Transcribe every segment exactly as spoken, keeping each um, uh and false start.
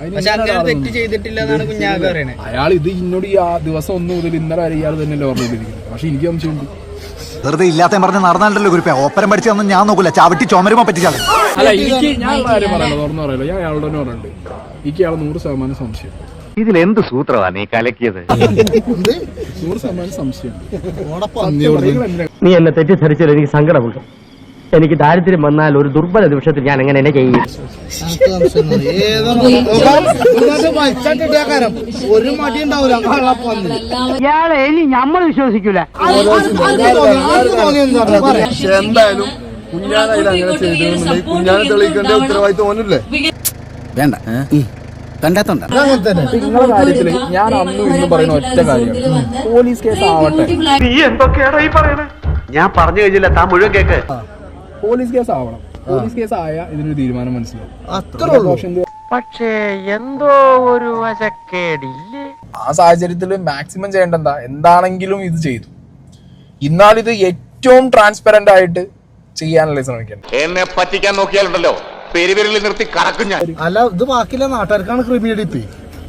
അയാൾ ഇത് ഇന്നോട് ഈ ദിവസം ഒന്ന് മുതൽ ഇന്നലെ വരെ ഇയാൾ തന്നെയല്ലേ പറഞ്ഞിരിക്കുന്നത്. പക്ഷെ എനിക്ക് സംശയമുണ്ട്. വെറുതെ ഇല്ലാത്ത പറഞ്ഞ് നടന്നാലല്ലോ കുറിപ്പ് ഓപ്പരം പഠിച്ചൊന്നും ഞാൻ നോക്കൂല. ചവിട്ടി ചുമരുമ്പോ പറ്റിച്ചാൽ അല്ല എനിക്ക് ഞാൻ കാര്യം പറയല്ലോ തുറന്നു പറയല്ലോ. ഞാൻ അയാളുടെ തന്നെ പറയുന്നുണ്ട് എനിക്ക് അയാൾ നൂറ് ശതമാനം സംശയം. ഇതിൽ എന്ത് സൂത്രമാണ് നീ കലക്കിയത്? നൂറ് ശതമാനം സംശയം. നീ എന്നെ തെറ്റിദ്ധരിച്ചാൽ എനിക്ക് സങ്കടമുണ്ട്. എനിക്ക് ദാരിദ്ര്യം വന്നാൽ ഒരു ദുർബല നിമിഷത്തിൽ ഞാൻ എങ്ങനെ എന്നെ ചെയ്യും? ഒരു മടി ഉണ്ടാവില്ല. ഇയാളെ ഇനി നമ്മൾ വിശ്വസിക്കൂല. എന്തായാലും കുഞ്ഞാനായിട്ട് അങ്ങനെ ചെയ്തിട്ടുണ്ടെങ്കിൽ കുഞ്ഞാനെ തെളിയിക്കേണ്ട ഉത്തരവാദിത്വം ഓനല്ലേ? വേണ്ട കണ്ടെത്തണ്ട. നിങ്ങളുടെ കാര്യത്തില് ഞാൻ അന്നും ഇന്നും പറയുന്ന ഒറ്റ കാര്യമാണ്, പോലീസ് കേസ് ആവട്ടെ. നീ എന്തൊക്കെയാണ് ഈ പറയണേ? ഞാൻ പറഞ്ഞു കഴിഞ്ഞില്ല, താൻ മുഴുവൻ കേക്ക്. പോലീസ് കേസ് ആവണം. പോലീസ് കേസ് ആയ ഇതിനൊരു തീരുമാനം മനസ്സിലാവും. അത്രേ ഉള്ളൂ. പക്ഷേ എന്തോ ഒരു വശക്കേടില്ലേ? ആ സാഹചര്യത്തിൽ മാക്സിമം ചെയ്യേണ്ട എന്താ, എന്താണെങ്കിലും ഇത് ചെയ്തു. എന്നാൽ ഇത് ഏറ്റവും ട്രാൻസ്പെറന്റ് ആയിട്ട് ചെയ്യാനല്ലേ ശ്രമിക്കണം. എന്നെ പറ്റിക്കാൻ നോക്കിയാലുണ്ടല്ലോ പെരുവിരലിൽ നിർത്തി കറക്കും ഞാൻ. അല്ല ഇത് ബാക്കിയുള്ള നാട്ടുകാർക്കാണ് ക്രിമിനലിറ്റി.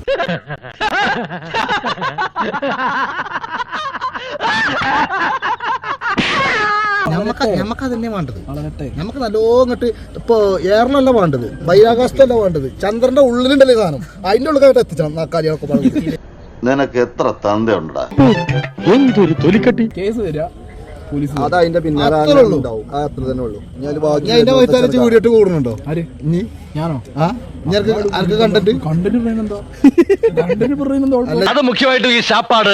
ഞമ്മക്ക് ഞമ്മക്ക് അതന്നെ വേണ്ടത്. ഞമ്മക്ക് നല്ലോങ്ങട്ട് ഇപ്പൊ എയറിലല്ല വേണ്ടത്, ബഹിരാകാശത്തല്ല വേണ്ടത്, ചന്ദ്രന്റെ ഉള്ളിലുണ്ടല്ലേ സാധനം, അതിന്റെ ഉള്ളിലായിട്ട് എത്തിച്ചണം കാര്യങ്ങളൊക്കെ പറഞ്ഞു. നിനക്ക് എത്ര തന്തയുണ്ടാ? എന്തൊരു തൊലിക്കട്ടി. കേസ് തരാ പോലീസ്. അത് അതിന്റെ പിന്നാലെ അത്ര തന്നെ ഉള്ളൂ. അതിന്റെ വൈത്താലച്ച് വീഡിയോട്ട് കൂടുന്നുണ്ടോ? ആര്? നീ ഞാനോ? ആ ആർക്ക് കണ്ടന്റ് കണ്ടന്റ് പറയുന്നുണ്ടോ? കണ്ടന്റ് പറയുന്നുണ്ടോ? അത് മുഖ്യമായിട്ടും ഈ ശാപ്പാട്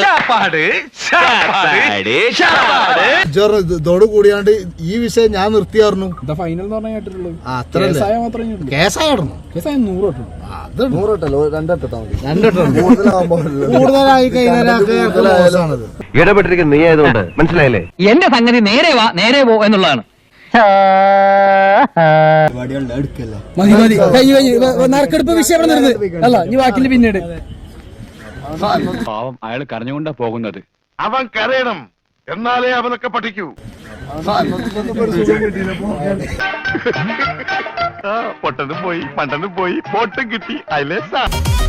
ഇതോട് കൂടിയാണ്ട് ഈ വിഷയം ഞാൻ നിർത്തിയായിരുന്നു. ഫൈനൽ എന്ന് പറഞ്ഞാൽ കേട്ടിട്ടുള്ളൂ. കേസായ കേസായിരുന്നു. കേസായ നൂറ് തൊട്ടു. അത് നൂറെട്ടല്ലോ, രണ്ടെട്ടാ മതി. രണ്ടെട്ടോ കൂടുതലായി കഴിഞ്ഞാൽ ഇടപെട്ടിരിക്കുന്ന നീ ആയതുകൊണ്ട് മനസ്സിലായില്ലേ? എന്റെ സംഗതി നേരെ വാ നേരെ പോ എന്നുള്ളതാണ്. മതി മതി നറുക്കെടുപ്പ് വിഷയം അല്ല ഇനി ബാക്കില് പിന്നീട്. പാവം അയാൾ കരഞ്ഞുകൊണ്ടാ പോകുന്നത്. അവൻ കരയണം, എന്നാലേ അവനൊക്കെ പഠിക്കൂ. പൊട്ടനും പോയി പണ്ടനും പോയി, പോട്ടും കിട്ടി. അതിലേ